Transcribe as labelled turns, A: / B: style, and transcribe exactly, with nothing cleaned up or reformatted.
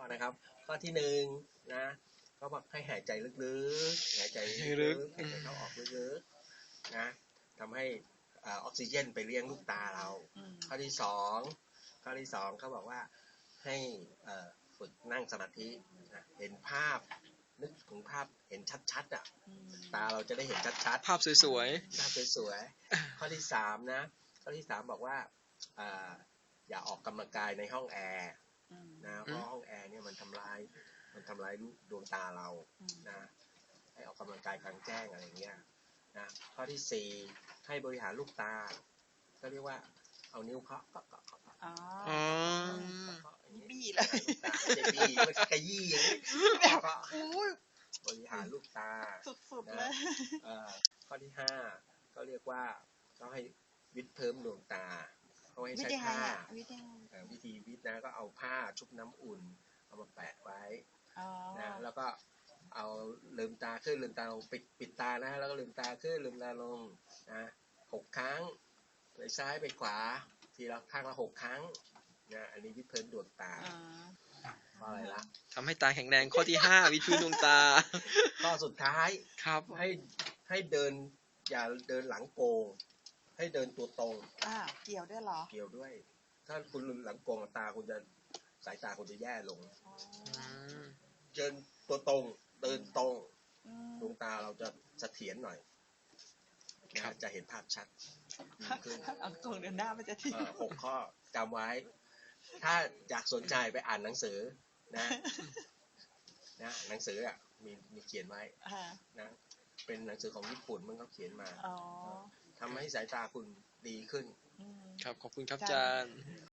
A: นะครับข้อที่หนึ่งนะก็บอกให้หายใจลึกๆหายใจลึกๆหายใจเข้าออกลึกๆนะทำให้ออกซิเจนไปเลี้ยงลูกตาเราข้อที่สองข้อที่สองเขาบอกว่าให้ฝึกนั่งสมาธิเห็นภาพนึกถึงภาพเห็นชัดๆอ่ะตาเราจะได้เห็นชัดๆ
B: ภาพสวย
A: ๆภาพสวยๆข้อที่สามนะข้อที่สามบอกว่าอย่าออกกำลังกายในห้องแอร์นะเพราะห้องแอร์เนี่ยมันทำลายมันทำลายดวงตาเรานะให้ออกกำลังกายกลางแจ้งอะไรเงี้ยนะข้อที่สี่ให้บริหารลูกตาก็เรียกว่าเอานิ้วเคาะเคาะเคาะเคาะ
B: อ๋อ
A: บี้เลยจะบี้ไม่ขยี้อย่างนี้แบบบริหารลูกตา
C: สุดๆเลย
A: ข้อที่ห้าก็เรียกว่าต้องให้วิดเพิ่มดวงตาเขาให้ใช้ผ้าวิธีวิดนะก็เอาผ้าชุบน้ำอุ่นเอามาแปะไว้นะแล้วก็เอาลืมตาขึ้นลืมตาลงปิดปิดตานะแล้วก็ลืมตาขึ้นลืมตาลงนะหกครั้งไปซ้ายไปขวาทีละข้างละหกครั้งนะอันนี้วิดเพิ่มดวงตาข้ออะไรละ
B: ทำให้ตาแข็งแรงข้อที่ห้าวิดพื้นดวงตา
A: ข้อสุดท้าย
B: ครับ
A: ให้ให้เดินอย่าเดินหลังโกงให้เดินตัวตรง
C: อ่าเกี่ยวด้วยเหรอ
A: เกี่ยวด้วยถ้าคุณหลังโกงตาคุณจะสายตาคุณจะแย่ลงเดินตัวตรงเดินตรงดวงตาเราจะเสถียรหน่อยจะเห็นภาพชัด
C: ขึ้นหลังโกงเดินหน้ามันจะที
A: หกข้อจำไว้ถ้าอยากสนใจไปอ่านหนังสือนะนะหนังสืออ่ะมีมีเขียนไว้นะเป็นหนังสือของญี่ปุ่นมันก็เขียนมาทำให้สายตาคุณดีขึ้น
B: ครับขอบคุณครับอาจารย์